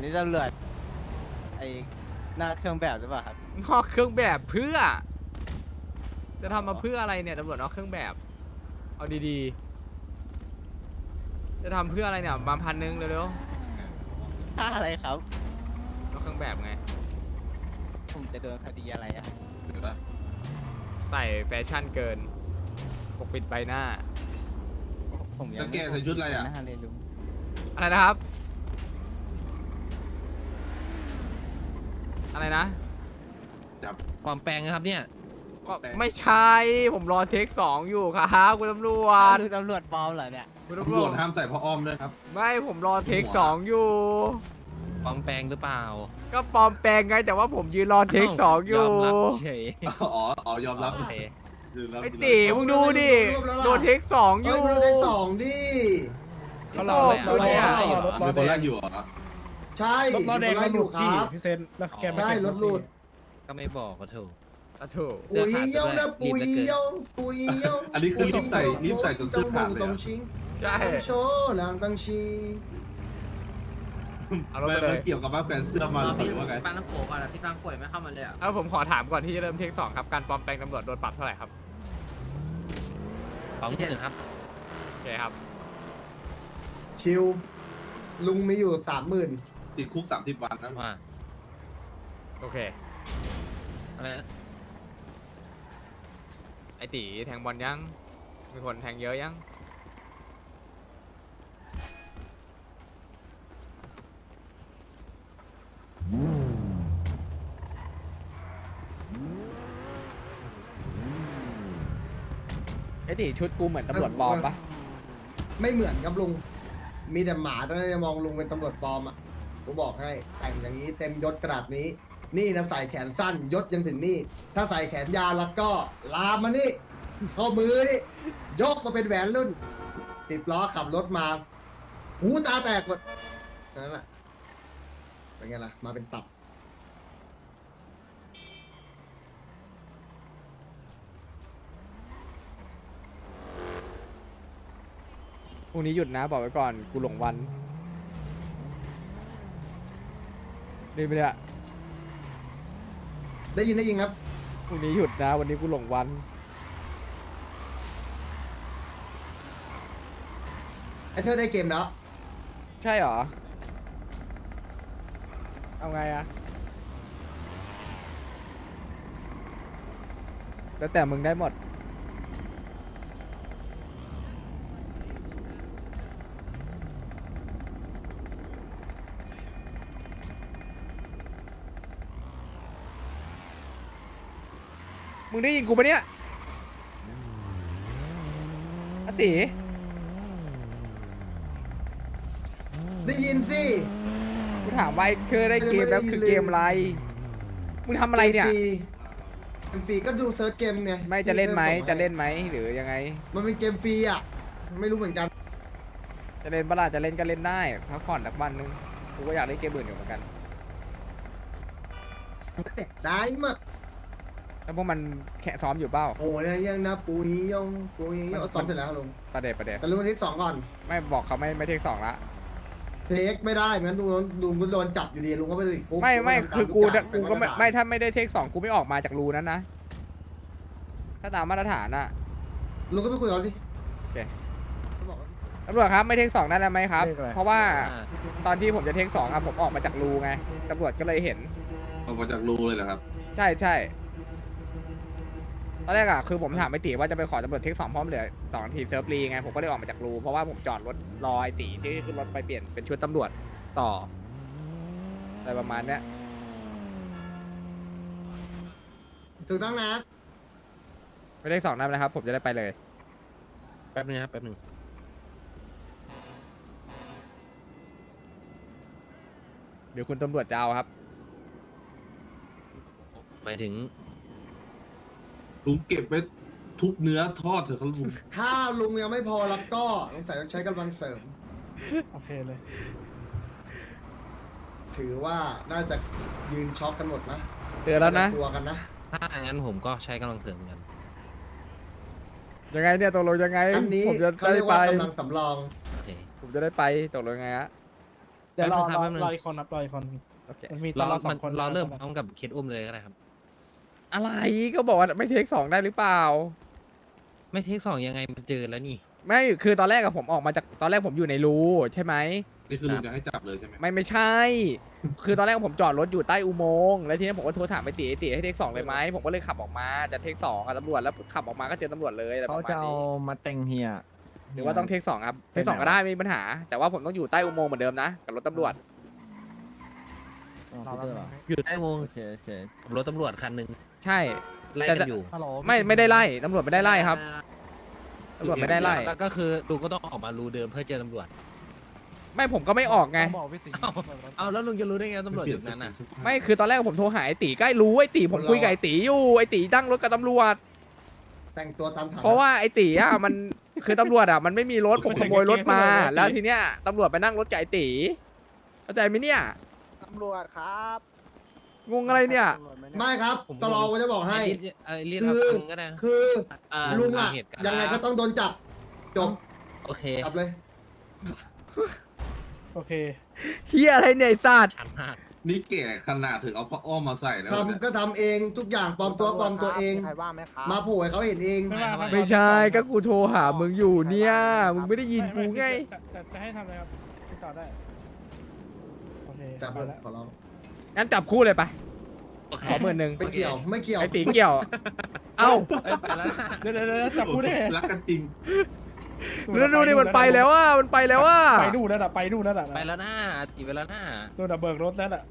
นี่ตำรวจไอ้หน้าเครื่องแบบหรือเปล่าครับนอกเครื่องแบบเพื่อ จะทำมาเพื่ออะไรเนี่ยตำรวจนอกเครื่องแบบ เอาดีๆ จะทำเพื่ออะไรเนี่ยมา1,000เร็วค่าอะไรครับๆนอกเครื่องแบบไงผมจะโดนคดีอะไรอะใส่แฟชั่นเกินปกปิดใบหน้าผมยังแล้วแกใส่ชุดอะไรอะหน้าเลยลุงอะไรนะครับ อะไรนะจับปลอมแปลงนะครับเนี่ยก็ไม่ใช่ ผมรอเทค2อยู่ครับคุณตำรวจคือตำรวจปลอมเหรอเนี่ยคุณตำตำรรววจจห้ามใส่ผ้าอ้อมด้วยครับไม่ผมรอเทค2อยู่ปลอมแปลงหรือเปล่าก็ปลอมแปลงไงแต่ว่าผมยืนรอเทค2อยู่ยอมรับเฉยอ๋อยอมรับโอเคยอมรับไอ้ตีมึงดูดิโดนเทค2อยู่เฮ้ยมันได้สองดิเขาหลอกกูเนี่ยมีคนแรกอยู่เหรอใช่รถล้อแดงมีคนไล่อยู่ครับพี่เซนแล้วแกไม่ได้เก็บรถหลุดก็ไม่บอกก็ถูกอ่ะถูกเสื้อปุยขาดยงนะรีปุบยเหลือเกินยงปุยยงอันนี้คือรีบใส่จนเสื้อขาดเลยตรอะงชิงใช่โชว์หลังตังชีเอารถไม่ไปเลมันยเกี่ยวกับว่าแฟนเสื้อมาหรือว่าไงฟังน้ำโขก่อนอะพี่ฟังป่วยไม่เข้ามาเลยอะเอาผมขอถามก่อนที่จะเริ่มเทค2ครับการปลอมแปลงตำรวจโดนปรับเท่าไหร่ครับ 20,000ครับโอเคครับชิวลุงมีอยู่30,000 ติดคุก30 วันนะว่าโอเคอะไรนะไอตีแทงบอลยังมีคนแทงเยอะยังไอตีชุดกูเหมือนตำรวจปลอมปะไม่เหมือนครับลุง มีแต่หมาตอนนั้นจะมองลุงเป็นตำรวจปลอมอ่ะผมบอกให้แต่งอย่างนี้เต็มยศกระดาษนี้ นี่นะใส่แขนสั้นยศยังถึงนี่ ถ้าใส่แขนยาวแล้วก็ลามมานี่ข้อมือนี่ยกมาเป็นแหวนรุ่น10 ล้อขับรถมา หูตาแตกหมดนั่นแหละเป็นไงล่ะ มาเป็นตับพรุ่งนี้หยุดนะบอกไว้ก่อนกูหลงวันดีไหมเนี่ยได้ยินครับพรุ่งนี้หยุดนะวันนี้กูหลงวันไอ้เธอได้เกมแล้วใช่เหรอ เอาไงอะแล้วแต่มึงได้หมด มึงได้ยินกูปะเนี่ยอติได้ยินสิกูถามว่าคือได้เกมแล้วคือเกมอะไร มึงทำอะไรเนี่ยเกมฟรีก็ดูเซิร์ชเกมไงไม่จะเล่นไหมที่จะเล่นไหมหรือยังไงมันเป็นเกมฟรีอ่ะ ไม่รู้เหมือนกันจะเล่นปะล่ะจะเล่นก็เล่นได้พักผ่อนสักวันนึงกูก็อยากเล่นเกมอื่นอยู่เหมือนกันแต่ได้หมดแล้วพวกมันแข่ซ้อมอยู่เปล่าโอ้ยยังนะปุยยงปุยยงซ้อมเสร็จแล้วลุงประเดี๋ยวแต่ลุงวันที่2ก่อนไม่บอกเขาไม่เทค2ละเทคไม่ได้งั้นลุงก็โดนจับอยู่ดีลุงก็ไปติดคุกไม่คือกูตามกูก็มาตรฐานไม่ถ้าไม่ได้เทค2กูไม่ออกมาจากรูนั้นนะ ถ้าตามมาตรฐานอะลุงก็ไปคุยกับเขาสิโอเคเขาบอกว่าตำรวจครับไม่เทค2ได้แล้วไหมครับเลขอะไรเพราะว่าอ่าตอนที่ผมจะเทค2อะผมออกมาจากรูไงตำรวจก็เลยเห็นออกมาจากรูเลยเหรอครับใช่ตอนแรกอะคือผมถามไอตีว่าจะไปขอตำรวจเทค2พร้อมเหลือ2 นาทีเซิร์ฟรีไงผมก็เลยออกมาจากรูเพราะว่าผมจอดรถรอไอตีที่ขึ้นรถไปเปลี่ยนเป็นชุดตำรวจต่ออะไรประมาณเนี้ยถูกต้องนะไม่เทค2ได้นะครับ ผมจะได้ไปเลยแป๊บนึงครับแป๊บนึงเดี๋ยวคุณตำรวจจะเอาครับหมายถึงลุงเก็บไว้ทุบเนื้อทอดเถอะครับลุงถ้าลุงยังไม่พอแล้วก็สงสัยต้องใช้กำลังเสริมโอเคเลยถือว่าน่าจะยืนช็อกกันหมดนะเตือนแล้วนะกลัวกันนะถ้างั้นผมก็ใช้กำลังเสริมเหมือนกันยังไงเนี่ยตกลงยังไงอันนี้ผมจะเขาได้เรียกไปว่ากำลังสำรองโอเคผมจะได้ไปตกลงยังไงฮะเดี๋ยวรอแป๊บนึงรออีกคนครับรออีกคนโอเคมันมีตรอนอเราสอมันงคนรอเริ่มพร้อมกับเคสอุ้มเลยก็ได้ครับอะไรก็บอกว่าไม่เทคสองได้หรือเปล่าไม่เทคสองยังไงมันเจอแล้วนี่ไม่คือตอนแรกอะผมออกมาจากตอนแรกผมอยู่ในรูใช่ไหมนี่คือลุงจะให้จับเลยใช่ไหมไม่ใช่ คือตอนแรกผมจอดรถอยู่ใต้อุโมงค์แล้วทีนี้ผมก็โทรถามไปตีให้เทคสองเลยไหมผมก็เลยขับออกมาจะเทคสองกับตำรวจแล้วขับออกมาก็เจอตำรวจเลยอะไรปเขาระมาจะณเอานี้มาแต่งเฮียหรือว่าต้องเทคสองครับเทคสองก็ได้ไม่มีปัญหา แต่ว่าผมต้องอยู่ใต้อุโมงค์เหมือนเดิมนะกับรถตำรวจอ๋อเขาเจอเหรออยู่ใต้วงโอเคโอเครถตำรวจคันหนึ่งใช่ไล่กันอยู่ไม่ได้ไล่ตำรวจไม่ได้ไล่ครับตำรวจไม่ได้ไล่แล้วก็คือลุงก็ต้องออกมารูเดิมเพื่อเจอตำรวจไม่ผมก็ไม่ออกไงเอาแล้วลุงจะรู้ได้ไงตำรวจอยู่นั้นน่ะไม่คือตอนแรกผมโทรหาไอ้ตีก็รู้ไอ้ตีผมคุยกับไอ้ตีอยู่ไอ้ตีตั้งรถกับตำรวจแต่งตัวตามฐานะเพราะว่าไอ้ตีอ่ะมันคือตำรวจอ่ะมันไม่มีรถผมขโมยรถมา แล้วทีเนี้ยตำรวจไปนั่งรถกับไอ้ตีเข้าใจไหมเนี่ยตำรวจครับงงอะไรเนี่ยตำรวจหไม่ครับผมตลอดก็จะบอกให้ไอ้เรียกรับตังค์ก็ได้คือ ลุงอะเหตุการณ์ยังไงก็ต้องโดนจับจบโอเคจับเลยโอเคเฮียอะไรเนี่ยไอ้สัตว์ชันมากนี่แก่ขนาดถึงเอาผ้าอ้อมมาใส่แล้วเนี่ยทำก็ทำเองทุกอย่างปลอมตัวปลอมตัวเองมีใครว่าไหมครับมาโผล่ให้เขาเห็นเองไม่ว่าไม่ใช่ก็กูโทรหามึงอยู่เนี่ยมึงไม่ได้ยินกูไงจะให้ทำอะไรครับติดต่อได้โอเคจับไปเลยแล้วขอร้องงั้นจับคู่เลยไปขอ10,000 ไม่เกี่ยวไม่เกี่ยวไอ้ตีเกี่ยว เอ้าเอ้ยไปแล้วนะเดี๋ยวจับกูได้ไงรักกันจริงดูดิมันไปแล้วว่ามันไปแล้วว่าไปดูนั่นแหละไปดูนั่นแหละไปแล้วนะตีไปแล้วนะดูน่ะเบิกรถแล้วน่ะ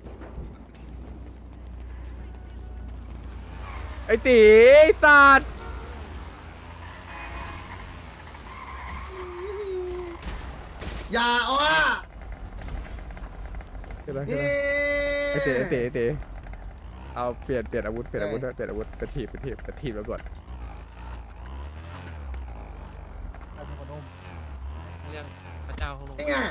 ไอ้ตีไอ้สัตว์อย่าอ้อเดี๋ยวนะนี่ไอ้ตีเอาเปลี่ยนอาวุธด้วยเป็นทีบแล้วก่อนเรื่องพระเจ้าเขาลงนี่ไง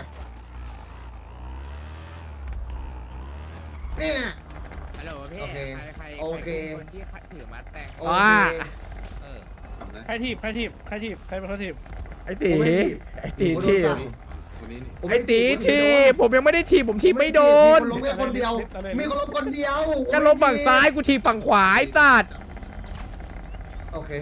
นี่ไงฮัลโหลพี่โอเคใครโอเคคนที่ถือมัดแต่งโอเคเออทำนะใครถีบใครเป็นคนถีบไอ้ตีผมไม่ได้ไอ้ตีผมโดนทีบสั่งวันนี้นี่ผมไอ้ม่ตีด้ทีบผมยังไม่ได้ทีบผมทีบไม่โดนมีคนล้มแค่คนเดียว มีคนล้มคนเดียวก็ลงฝั่งซ้ายกูทีบฝั่งขวาไอ้สัตว์โอเค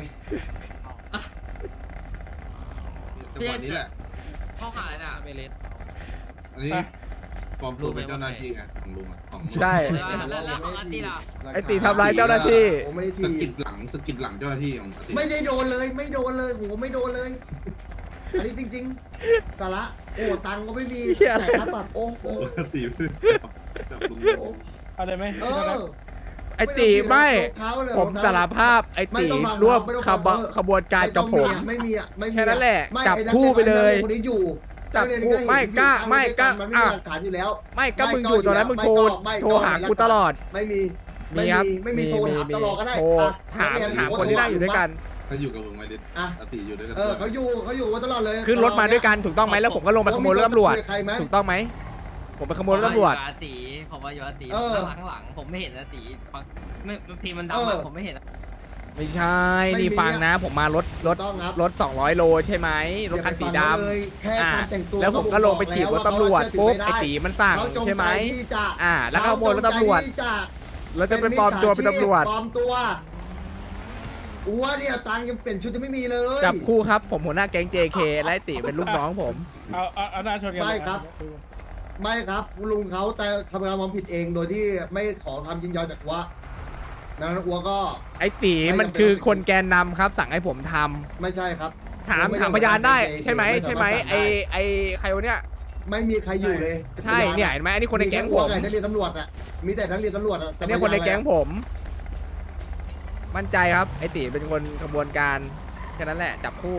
จังหวะนี้แหละเข้าหาเลยน่ะเมเลสอันนี้ปลอมตัวเป็นเจ้าหน้าที่ไงของลุงอะของลุงใช่แล้วของอาร์ตี้ล่ะไอ้ตีทำร้ายเจ้าหน้าที่ผมไม่ได้สะทีกิดหลังเจ้าหน้าที่ของอาทิตย์ไม่ได้โดนเลยไม่โดนเลยโหไม่โดนเลย อันนี้จริงๆสาระโอ้ตังค์ก็ไม่มีเหี้ยอะไรแต่ค่าปรับโอ้โหปกติจับลุงเอาเลยไหมเออไอ้ตีไม่รองเท้าเลยผมรองเท้สารภาพไอ้ไม่ตีต้องฟังร่วมไม่ต้องฟังขบวนการกับผมไม่มีอ่ะไม่มีแค่นั้นแหละไม่จับอ้นักคู่ไปเลยนักรีนคนนี้อยู่จับนัเรียนคู่เห็นไม่กล้าอยู่ไม่กล้ามันไม่มีอ่ะหลักฐานอยู่แล้วไม่ก็ไม่มึงก็อยู่ตอนนั้นมึงโทรไม่ก็โทรหากูตลอดไม่มีมีครับไม่มีโทรถามตลอดก็ได้โทรอ่ะถามนักเรียถามรู้คนที่นั่งอยู่ด้วยกันถ้าอยู่กับลุงไม่ได้อ่ะอาทิตย์อยู่ด้วยกันเขาอยู่มาตลอดเลยขึ้นรถมาด้วยกันถูกต้องไหมแล้วผมก็ลงไปขโมยรถตำรวจมีใครไหมถูกต้องไหมผมไปขโมยรถตำรวจผมว่าอยู่อาตีผมว่าอยู่อาตีเออข้างหลังผมไม่เห็นอาตีบางทีมันเอดำออะผมไม่เห็นอะไม่ใช่ไม่มีนี่ฟังนะ ผมมารถต้องครับ 200 โลใช่ไหมรถคันสีดอย่าไปฟังเขาเลยแค่ำอ่าการแต่งตัวแล้วผมก็ลงไปถีบรถตำรวจปุ๊บไอ้ตีมันสั่งเขาจงใช่ไหมใจที่จะอ่า แล้วก็ขโมยรถตำรวจเขาจงใจที่จะแล้วจะเป็นปลอมตัวเป็นตำรวจปลอมตัวอัวเนี่ยตังค์ยังเปลี่ยนชุดยังไม่มีเลยจับคู่ครับ ผมหัวหน้าแก๊ง JK และไอ้ตีเป็นลูกน้องผมเอาหน้าชนกันไม่ครับ ไม่ครับลุงเขาแต่ทำความผิดเองโดยที่ไม่ขอคำยินยอมจากอัวนั้นอัวก็ไอ้ตีมันคือคนแกนนำครับ สั่งให้ผมทำไม่ใช่ครับถามไม่ถามพยานได้ไม่ใช่ไหมไม่ใช่ไหมสามารถสั่งได้ไอใครวะเนี่ยไม่มีใครอยู่เลยใช่เนี่ยเห็นไหมอันนี้คนในแก๊งผมมีต่นักเรียนตำรวจอ่ะมีแต่นักเรียนตำรวจอ่ะอันนี้คนในแก๊งผม มั่นใจครับ ไอตีเป็นคนขบวนการแค่นั้นแหละ จับคู่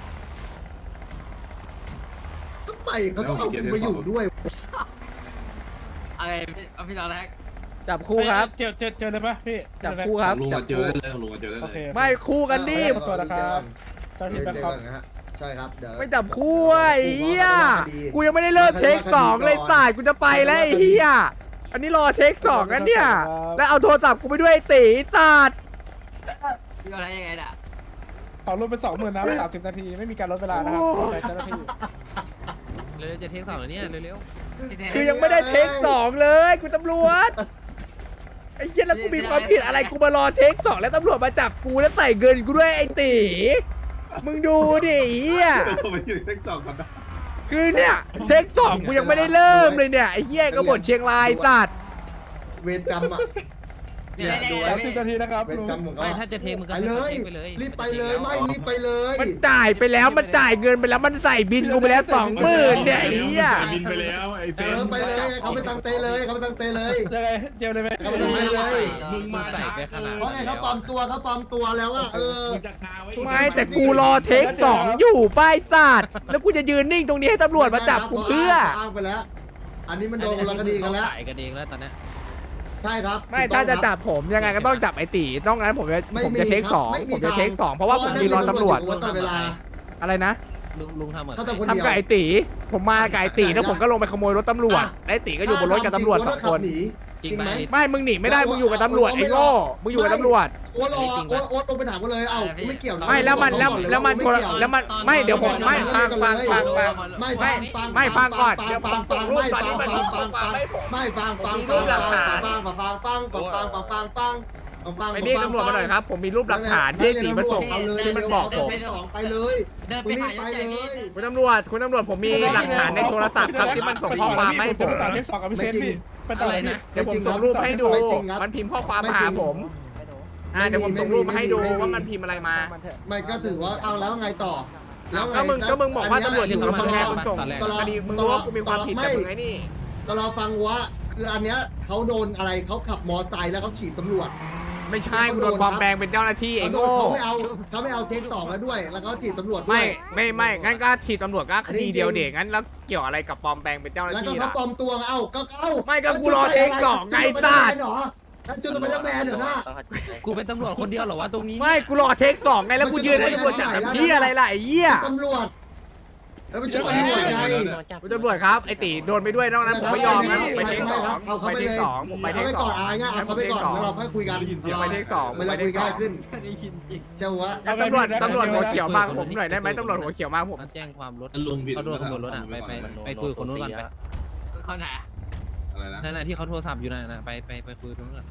ทำไมเขาต้องเอาคุณมาอยู่ด้วยอะไรเอาพี่น้องแรกจับคู่ครับเจอเลยปะพี่จับคู่ครับลุงจัมาบเจอคู่ได้เลยลุงมาเจอได้โอเลเคยไม่คู่กันดิขอตัวนะครับเจ้าหน้าที่แบงค์ครับนะฮะใช่ครับเดี๋ยวไม่จับคู่อ่ะไอ้เหี้ยกูยังไม่ได้เริ่มเทคสองเลยสายกูจะไปแล้วไอ้เหี้ยอันนี้รอเทคสองกันเนี่ย แล้วเอาโทรศัพท์กูไปด้วยไอ้ตีศาสตร์พี่น้องแรกยังไงน่ะขอลดไป20,000นะ30 นาทีไม่มีการลดเวลานะครับขอใจเจ้าหน้าที่เร็วๆจะเทคสองแล้วเนี่ยเร็วคือยังไม่ได้เทคสองเลยกูตำรวจไอ้เหี้ยแล้วกูมีความผิดอะไรกูมารอเทคสองแล้วตำรวจมาจับกูแล้วใส่เงินกูด้วยไอ้ตีมึงดูดิไอ้เหี้ยทำไมอยู่เท็กซ์กันนะคือเนี่ยเทคสองกูยังไม่ได้เริ่มเลยเนี่ยไอ้เหี้ยก็บ่นเชียงรายสัตว์เวรกรรมอ่ะเนี่ยดูสามสิบนาทีนะครับเวรลุงกรรมของเขาไม่ถ้าจะเทมึงก็ไปเลยเทไปเลยรีบไปเลยไม่รีบไปเลยมันจ่ายไปแล้วมันจ่ายเงินไปแล้วมันใส่บินกูไปแล้ว20,000เนี่ยไอ้เหี้ยบินไปแล้วไอ้เจมไปเลยเขาไปตังเตเลยเขาไปตังเตเลยยังไงเจมเลยไหมเขาไปตังเตเลยมึงมาใส่ช้าไปขนาดเพราะไงเขาปลอมตัวแล้วอ่ะมึงจะคาไว้ไม่แต่กูรอเทคสองอยู่ป้ายสัตว์แล้วกูจะยืนนิ่งตรงนี้ให้ตำรวจมาจับกูเพื่ออ้างไปแล้ว อันนี้มันโดนคนละคดีกันแล้วขายกันเองแล้วตอนนี้ใช่ครับไม่ถ้าจะจับผมยังไงก็ต้องจับไอ้ตีต้องงั้นผมจะเทคสองผมจะเทคสองเพราะว่าผมมีรอตำรวจตลอดเวลาอะไรนะลุงทำเหมือนเขาทำคนทำกับไอ้ตีผมมากับไอ้ตีแล้วผมก็ลงไปขโมยรถตำรวจไอ้ตีก็อยู่บนรถกับตำรวจ2 คนจริงไหมไม่มึงหนีไม่ได้มึงอยู่กับตำรวจไอ้โง่มึงอยู่กับตำรวจโอ๊ตลงไปถามกันเลยเอ้าไม่เกี่ยวไม่แล้วมันโทรแล้วมันไม่เดี๋ยวผมไม่ฟังไม่ฟังก่อนเดี๋ยวผมส่งรูปตอนนี้มันส่งข้อความให้ผมไม่ฟังไปเรียกตำรวจมาหน่อยครับผมมีรูปหลักฐานที่ตีมาส่งที่มันบอกผมไปเลยเดินไปหายศใหญ่นี่คุณตำรวจผมมีหลักฐานในโทรศัพท์ครับที่มันส่งข้อความมาให้ผมต่อเทคสองกับพี่เซนพี่ไปต่อเลยนะเดี๋ยวผมส่งรูปให้ดูมันพิมพ์ข้อความมาหาผมเดี๋ยวผมส่งรูปมาให้ดูว่ามันพิมพ์อะไรมาไม่ก็ถือว่าเอาแล้วไงต่อก็มึงบอกว่าตำรวจอยู่กับมึงไงมึงส่งคดีมึงรู้ว่ากูมีความผิดแต่มึงไอ้นี่ก็เราฟังว่าคืออันเนี้ยเขาโดนอะไรเขาขับมอไซค์แล้วเขาฉีดตำรวจไม่ใช่กูโดนปลอมแปลงเป็นเจ้าหน้าที่ไอ้โง่เขาไม่เอาเทคสองแล้วด้วย แล้วเขาฉีดตำรวจด้วไม่ยงั้นก็ฉีดตำรวจก็คดีเดียวเด็กงั้นแล้วเกี่ยวอะไรกับปลอมแปลงเป็นเจ้าหน้าแล้วก็ที่เขาล่ะปลอมตัวเอ้าก็เอ้าไม่ก็กูรอเทคสองไงสัตว์ท่านจุดเป็นแมนเหรอหน้ากูเป็นตำรวจคนเดียวเหรอวะตรงนี้ไม่กูรอเทคสองไงแล้วกูยืนให้ตำรวจจับแบบนี้อะไรล่ะไอ้เหี้ยตำรวจแล้วไปชุดตำรวจไงคุณตำรวจครับไอ้ตีโดนไปด้วยนอกนั้นผมไม่ยอมนะผมไปเทคสองผมไปเทคสองผมไปเทเขาคไปสก่ออง นอายง่ายเขาไปก่อนแล้วเราค่อยคุยกันไปเทคสองเวลาคุยง่ายขึ้นได้ยินจริงเชื่อวะตำรวจหัวเขียวมากับผมหน่อยได้ไหมตำรวจหัวเขียวมากับผมมาแจ้งความรถลุงผิดเขาโดนขโมยรถอ่ะไปคุยกับคนนู้นก่อนไปเขาไหนอะไรนะนั่นน่ะที่เขาโทรศัพท์อยู่นั่นน่ะไปคุยกับคนนู้นก่อน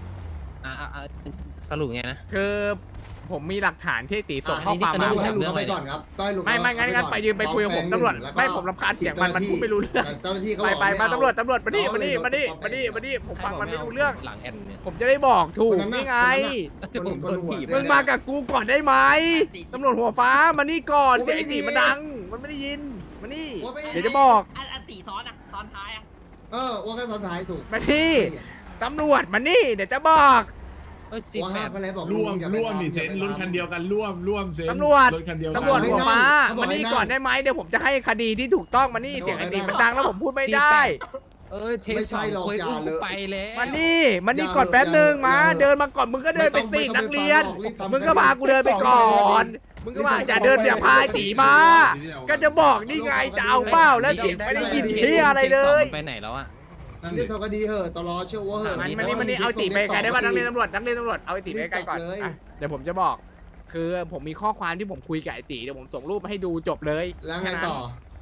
สรุปไงนะคือผมมีหลักฐานที่ตีส่งข้อความอันมานี้ให้ลุงเขาไปก่อนครับต้องให้ลุงไม่งั้นไปยืนไปคุยกับผมตำรวจไม่ผมรำคาญเสียงมันพูดไม่รู้เรื่องเจ้าหน้าที่เขาไปมาตำรวจมานี่ผมฟังมันไม่รู้เรื่องหลังแอนเนี่ยผมจะได้บอกถูกนี่ไงจะผมโดนถีบมึงมากับกูก่อนได้ไหมตำรวจหัวฟ้ามานี่ก่อนเสียงไอ้ตีมันดัง มันไม่ได้ยินมานี่เดี๋ยวจะบอกอันตีซ้อนอ่ะตอนท้ายอ่ะว่าแค่ตอนท้ายถูกมานี่ตำรวจมานี่เดี๋ยวจะบอกสิบว่าแปห้าดมไปแล้วบอกร่วมนี่เซนรุ่นคันเดียวกันร่วมเซนตำรวจรถคันเดียวกันตำรวจหัวฟ้ามานี่ก่อนได้ไหมเดี๋ยวผมจะให้คดีที่ถูกต้องมานี่เสียงไอ้ตีมันดังแล้วผมพูดไม่ได้เทคสองคุยอุ้มกูไปแล้วมานี่ก่อนแป๊บนึงมาเดินมาก่อนมึงก็เดินไปสินักเรียน มึงก็พากูเดินไปก่อนมึงก็ว่าอย่าเดินอย่าพาไอ้ตีมา ก็จะบอกนี่ไงจะเอาเป้าแล้วเสียงไม่ได้ยินที่อะไรเลยไปไหนแล้วอ่ะนั่นเรื่ดิองทำคดีเหอะตลอเชื่อว่าเหอะมันนี่เอาตีไปไกลได้ป่ะนักเรียนตำรวจเอาไอ้ตีไปไกลก่อนเดี๋ยวผมจะบอก คือผมมีข้อความที่ผมคุยกับไอ้ตีเดี๋ยวผมส่งรูปมาให้ดูจบเลยแล้วไงต่อ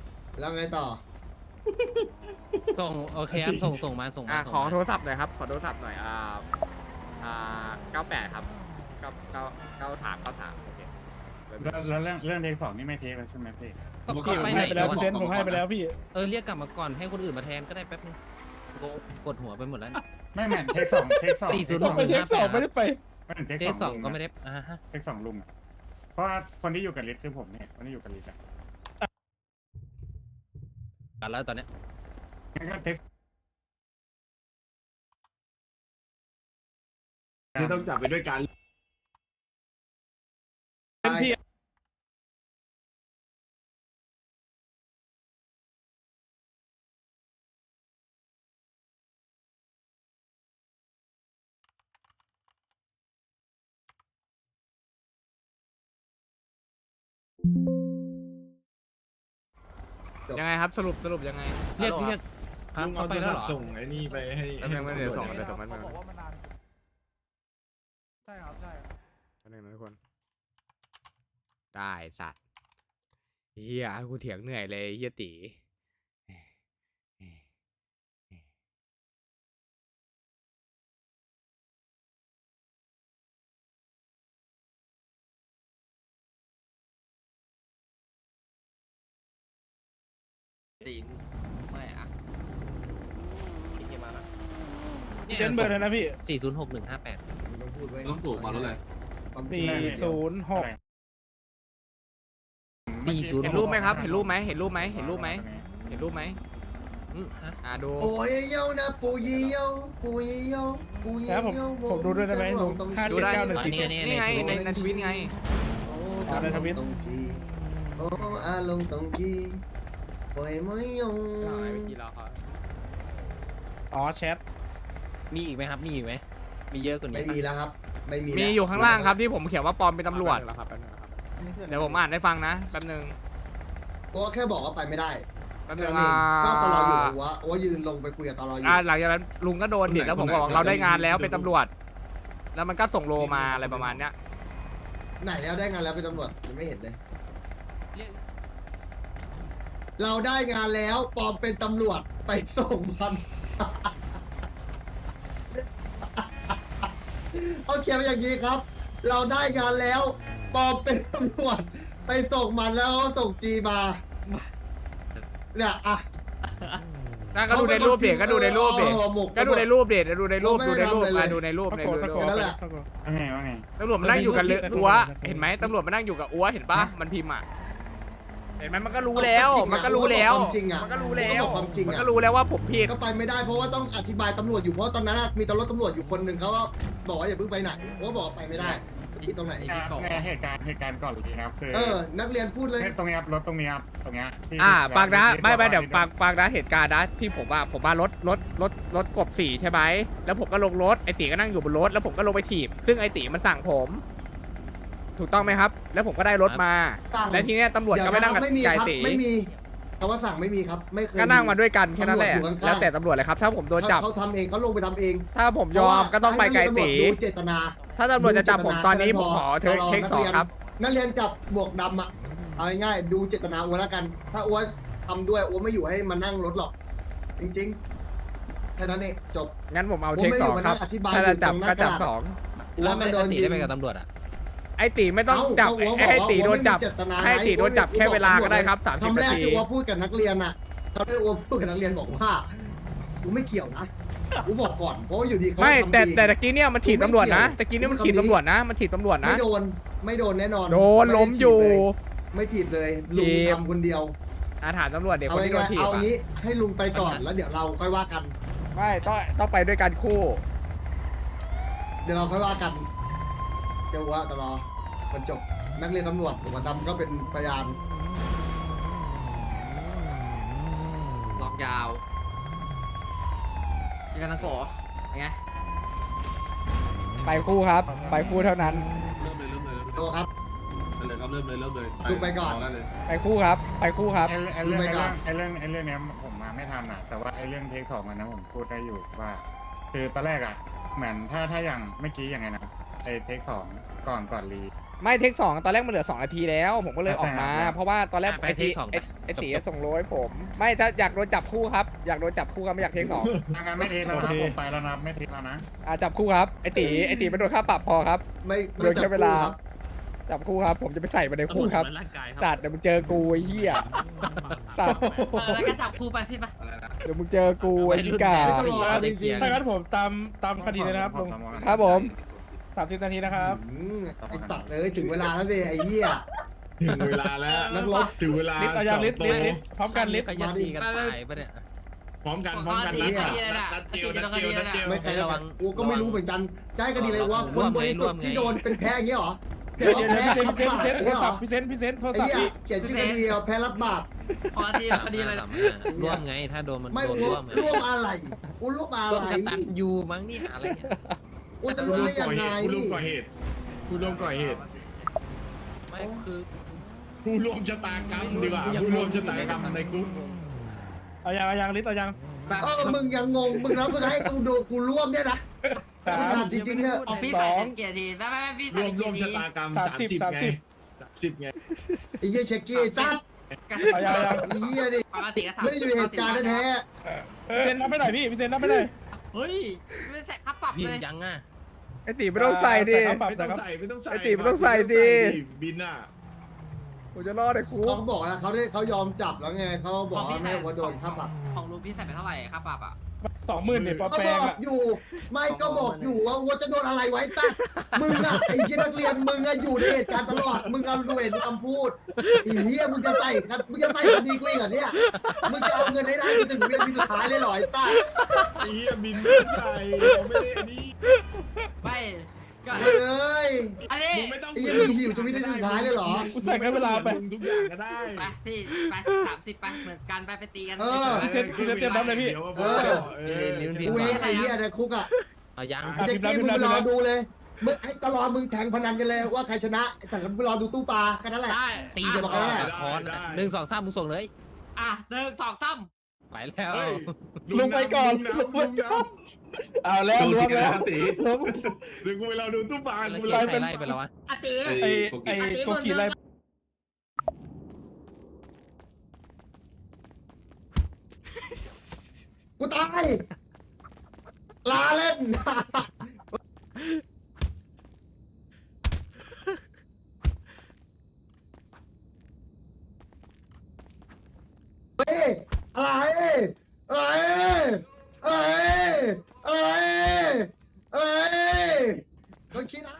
ส่งโอเคครับส่งมาขอโทรศัพท์หน่อยครับขอโทรศัพท์หน่อย98ครับ93โอเคแล้วเรื่องเทคสองนี่ไม่เทคแล้วใช่ไหมพี่ก็ไปไหนให้ไปแล้วพี่เซนผมให้ไปแล้วพี่เรียกกลับมาก่อนให้คนอื่นมาแทนก็ได้แป๊บนึงปวดหัวไปหมดแล้วไม่เหมือนเทคสอง 406 ไปเทคสองไม่ได้ไปเทคสองก็ไม่ได้เทคสองลุงอ่ะเพราะว่าคนที่อยู่กับลิศคือผมเนี่ยคนที่อยู่กับลิศอ่ะกันแล้วตอนเนี้ยงั้นก็เทคที่ต้องจับไปด้วยกันพี่ยังไงครับสรุปยังไงเรียกลุงเขาเอาไปโทรแล้วศัพเหรอท์ส่งไอ้นี่ไปให้เดี๋ยวส่งมันเขาบอกว่ามันนานใช่ครับใช่อันนึงนะทุกคนได้สัตว์เฮียกูเถียงเหนื่อยเลยเฮียตีตีนไม่อะพี่เกมมาละเนี่ยเจนเบอร์เลยนะพี่ 406158 มึงต้องพูดไว้ต้องปลูกมาแล้วเลยความจริง 406 40 เห็นรูปไหมครับ เห็นรูปไหมเห็นรูปไหมเห็นรูปไหมเห็นรูปไหมฮะดูโอ้ยเย้านะปูยี่เย้าปูยี่เย้าปูยี่แล้วผมเย้าผมดูด้วยได้ไหมลุงดูได้ 57914 นี่ไงในทวิตไงโอ้เอาในทวิตตรงทีโอ้อารมณ์ตรงทีปล่อยไม่ยงอ๋อแชทมีอีกไหมครับ มีอีกไหม มีเยอะกว่านี้ไม่ปะมีแล้วครับ ไม่มีมีแล้วอยู่ข้างล่างครับที่ผมเขียนว่าปลอมเป็นตำรวจเดี๋ยวผมอ่านให้ฟังนะแป๊บนึงก็แค่บอกว่าไปไม่ได้แป๊บแค่นึงนั้นเองก็ตลออยู่ว่ายืนลงไปคุยกับตลออยู่หลังจากนั้นลุงก็โดนดิแล้วผมก็บอกเราได้งานแล้วเป็นตำรวจ แล้วมันก็ส่งโลมาอะไรประมาณเนี้ยไหนแล้วได้งานแล้วเป็นตำรวจยังไม่เห็นเลย เราได้งานแล้วปลอมเป็นตำรวจไปส่งมัน เอาเขียนมาอย่างนี้ครับ เราได้งานแล้วปลอมเป็นตำรวจไปส่งมันแล้วส่งจีมาเนี่ยอ่ะนั่นก็ดูในรูปเด็กก็ดูในรูปเด็ก ก็ดูในรูปเด็กดูในรูปดูในรูปมาดูในรูปตะในโกรูนตะโกปนนั่นแหละตะโกนว่าไงว่าไงตำรวจมันนั่งอยู่กับอัวไม่มีเห็นไหมตำรวจมันนั่งอยู่กับอัวเห็นปะมันพิมพ์อ่ะเห็นไหมมันก็รู้แล้วมันก็รู้แล้วความจริงอ่ะมันก็รู้แล้วบอกความจริงมันอ่ะก็รู้แล้วว่าผมผิดก็ไปไม่ได้เพราะว่าต้องอธิบายตำรวจอยู่เพราะตอนนั้นมีตำรวจอยู่คนหนึ่งเขาก็บอกว่าอย่าเพิ่งไปไหนเพราะว่าบอกว่าไปไม่ได้ผิดตรงไหนในเหตุการณ์ก่อนเลยนะครับคือนักเรียนพูดเลยตรงนี้ครับรถตรงนี้ครับตรงนี้ที่ฟังนะที่ไม่บอกว่าเดี๋ยวฟังนะเหตุการณ์นะที่ผมว่ารถกบ4ใช่ไหมแล้วผมก็ลงรถไอตีก็นั่งอยู่บนรถแล้วผมก็ลงไปถีบซึ่งไอตีมันสั่งผม ถูกต้องไหมครับ แล้วผมก็ได้รถมาสั่งและทีเนี้ยตำรวจก็ไม่นั่งกับไม่มีไก่ครับตีไม่มีคำว่าสั่งไม่มีครับไม่เคยก็นั่งมาด้วยกันแค่นั้นแหละตำรวจอยู่ข้างๆแล้วแต่ตำรวจเลยครับ ถ้าผมโดนจับเขาทำเองเขาลงไปทำเองถ้าผมยอมก็ต้องไปไก่ตีดูเจตนาถ้าตำรวจจะจับผมตอนนี้ผมขอเทคสองครับนักเรียนจับบวกดำอ่ะเอาง่ายๆดูเจตนาอ้วนแล้วกัน ถ้าอ้วนทำด้วยอ้วนไม่อยู่ให้มานั่งรถหรอก จริงๆแค่นั้นเองจบงั้นผมเอาเทคสองครับผมไม่อยู่มานั่งอธิบายถ้าจะจับอยู่ตรงหน้าก็จับกระดาษสองแล้วมัไม่นโดได้นตียิได้งไปกับตำรวจอ่ะไอตีไม่ต้องจับเอ้าไอตีโดนจับอ้วบอกว่าอ้วไม่มีเจตนาให้ตีโดนจับแค่เวลาก็ได้ครับคำ 30 แรนาก ทีที่อ้วพูดกับนักเรียนอ่ะตอนที่อ้วพูดกับนักเรียนบอกว่ากูไม่เกี่ยวนะกูบอกก่อนเพราะว่าอยู่ดีเขาไม่ทำแต่ดีตะกี้เนี่ยมันถีบตำรวจนะตะกี้เนี่ยมันถีบตำรวจนะมันถีบตำรวจนะไม่โดนแน่นอนโดนล้มอยู่ไม่ถีบเลยลุงถีบทำคนเดียวถามตำรวจเด็กเอาคนที่โดนง่ายถีๆบเอาอะงี้ให้ลุงไปก่อนแล้วเดี๋ยวเราค่อยว่ากันไม่ต้องไปด้วยกันคู่เดี๋ยวเราค่อยว่ากันเดี๋ยวว่าตลอดมันจบนักเรียนตำรวจหัวดำก็เป็นพยานล็อกยาวยังกันนะโกะไงไปคู่ครับ ไปคู่เท่านั้นเริ่มเลยโตครับเริ่มเลยดูไปก่อนได้เลยไปคู่ครับ ไปคู่ครับไอ้เรื่องเนี้ยผมมาไม่ทันอ่ะ แต่ว่าไอ้เรื่องเทคสองอันนั้นผมพูดได้อยู่ว่า คือตอนแรกอ่ะเหมือนถ้าอย่างเมื่อกี้อย่างไงนะไอ้เทคสองก่อนรีไม่เทคสองตอนแรกมันเหลือ2 นาทีแล้ว ผมก็เลยออกมาใช่ครับเพราะว่าตอนแรกไปเทคสองไอตีส่งโลให้ผม ไม่ถ้าอยากโดนจับคู่ครับ อยากโดนจับคู่ครับไม่อยากเทคสองทางานไม่เทคแล้วนะผมไปแล้วนะไม่เทคแล้วนะจับคู่ครับไอตีไม่โดนค่าปรับพอครับไม่โดนแค่เวลาครับจับคู่ครับ ผมจะไปใส่มาในคู่ครับร่างกายคสัรับตว์เดี๋ยวมึงเจอกูไอ้เหี้ยสัตว์แล้วก็จับครูไปพี่ปะอะไรนะเดี๋ยวมึงเจอกูไอ้พิกาไม่ต้องรอจริงๆถ้างั้นผมตามคดีเลยนะครับลุงครับผม 30 นาทีนะครับไอ้สัตว์ถึงเวลาแล้วสิไอ้เหี้ยถึงเวลาแล้วนักรบถึงเวลาลิฟต์เอายังลิฟต์สองโต๊ะลิฟต์พร้อมกันลิฟต์ขยันตีกันตายปะเนี่ยพร้อมกันขอนัดคดีเลยนะนัดเจียวนัดเจียวนัดเจียวไม่ใครระวังกูก็ไม่รู้เหมือนกันจะให้คดีเลยว่าคนบริสุทธิ์ที่โดนเป็นแพ้อย่างเงี้ยเหรอเดี๋ยวแพ้พี่เซนรับบาปโทรศัพเหรอท์พี่เซนโทรไอ้ศัพท์เหี้ยเขียนชื่อคดีเอาแพ้รับบาปขอคดีอะไรนะร่วมไงถ้าโดนมันไม่โดนร่ร่ววมมร่วมอะไรกูร่วมอะร่วมไรกันตันยูมั้งนี่หาอะไรเนี่ยกูจะรู้ได้ยังไงผู้ร่วมก่อเหตุผู้ร่วมก่อเหตุไม่คือผู้ร่วมชะตากรรมดีกว่าผู้ร่วมชะตากรรมในกรุ๊ปเอายังลิฟต์เอายังมึงยังงงมึงแล้วมึงให้กูดูกูร่วมเนี่ยนะกูถามจริงๆเนี่ยออกพี่ใส่เกียรติไม่พี่ร่ใส่วมเกียรชะติตากรรม 30 30ไง30ไงไอ้เหี้ยเช็คกี้ซัดเอายังไอ้เหี้ยดิปกติก็ทำไม่ได้อยู่ในเหตุการณ์แท้พี่เซนนับไม่ได้พี่เซนนับไม่ได้เฮ้ยไม่ใส่ค่าปรับยิเลงยยังอ่ะไอตีไม่ต้องใส่ดิปรับไม่แต่ต้องครับใส่ไม่ต้องใส่ไอ้ตีไม่ต้องใส่ดิบินอ่ะผมจะรอดในคุกเขาบอกนะเขายอมจับแล้วไงเขาบอกว่าไม่ว่าโดนค่าปรับของลุงพี่ใส่ไปเท่าไหร่ค่าปรับอ่ะ 20,000เนี่ยปลาก็แปลบงอกอ่ะอยู่ไม่ก็บอกอยู่ว่าวัวจะโดนอะไรไว้ตั้งมึงอะไอ้ชิ้นนักเรียนมึงอะอยู่ในเหตุการณ์ตลอดมึงเอาดูเห็นคำพูดไอ้เหี้ยมึงจะใส่คดีกูอีกเหรอเนี่ยมึงจะเอาเงินให้ได้ถึงเรียนที่สุดท้ายเลยเหรอไอ้ตั้งไอ้เหี้ยบินไม่ใช่เราไม่ได้อันนี้ไม่ก็เฮ้ยอันนี้มึงไม่ต้องไอ้เหี้ยมีหิวจะมีได้สุดท้ายเลยเหรอกูใส่ให้เวลาไปมึงทุกอย่างก็ได้ไปพี่ไป30ไปเหมือนกันไปตีกันพี่เซ็ตเตรียมรับเลยพี่ดี๋วเออ กูเองไอ้เหี้ยในคุกอะเอายังอ่ะเจ๊กี้มึงรอดูเลยมึงไอ้ตลอดมึงแข่งพนันกันเลยว่าใครชนะแต่มึงรอดูตู้ปลาแค่นั้นแหละได้ตีจนบอกอแล้วอกแหละคอนได้ 1 2 3มึงส่งเลยอ่ะ1 2 3 ไปแล้วเฮ้ยลงไปก่อนลุงน้ำเอาแล้วล้วงแล้วล้วงเดี๋ยวกูไปรอดูตู้ปลาแล้วกูเกีรยอร์ใครไล่ไปแล้ววะอาตีไอ้โกกีไล่กูตายลาเล่น เฮ้ยอะไรก็คิดนะ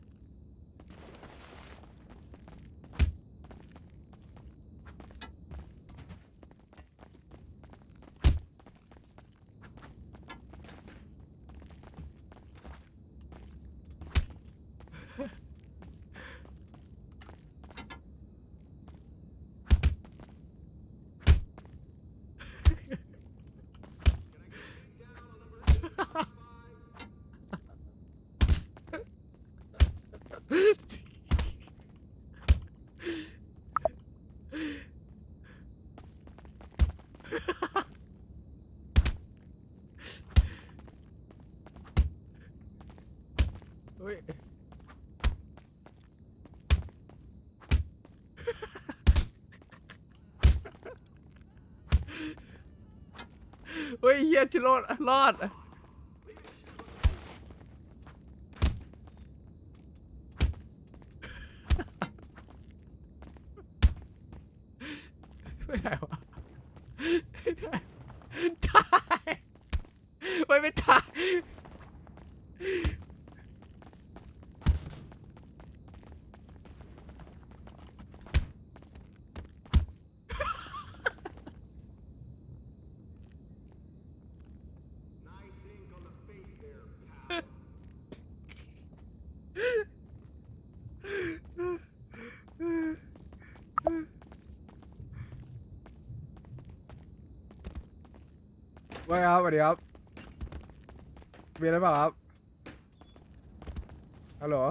เฮ้ยเฮ้ยเฮียจะรอดไม่ได้วะไม่ได้ตายไม่ตายว่าครับสวัสดีครับมีอะไรเปล่าครับฮัลโหล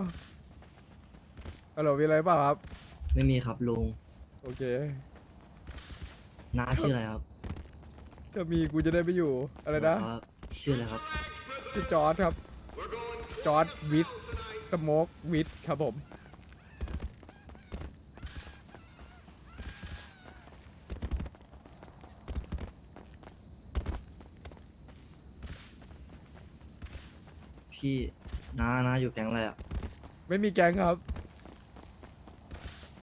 มีอะไรเปล่าครับไม่มีครับลุงโอเคน้าชื่ออะไรครับถ้ามีกูจะได้ไปอยู่อะไรนะบอกว่าชื่ออะไรครับชื่อจอร์ดครับ จอร์ดวิสสโมกวิสครับผมพี่น้าอยู่แก๊งอะไรอ่ะไม่มีแก๊งครับ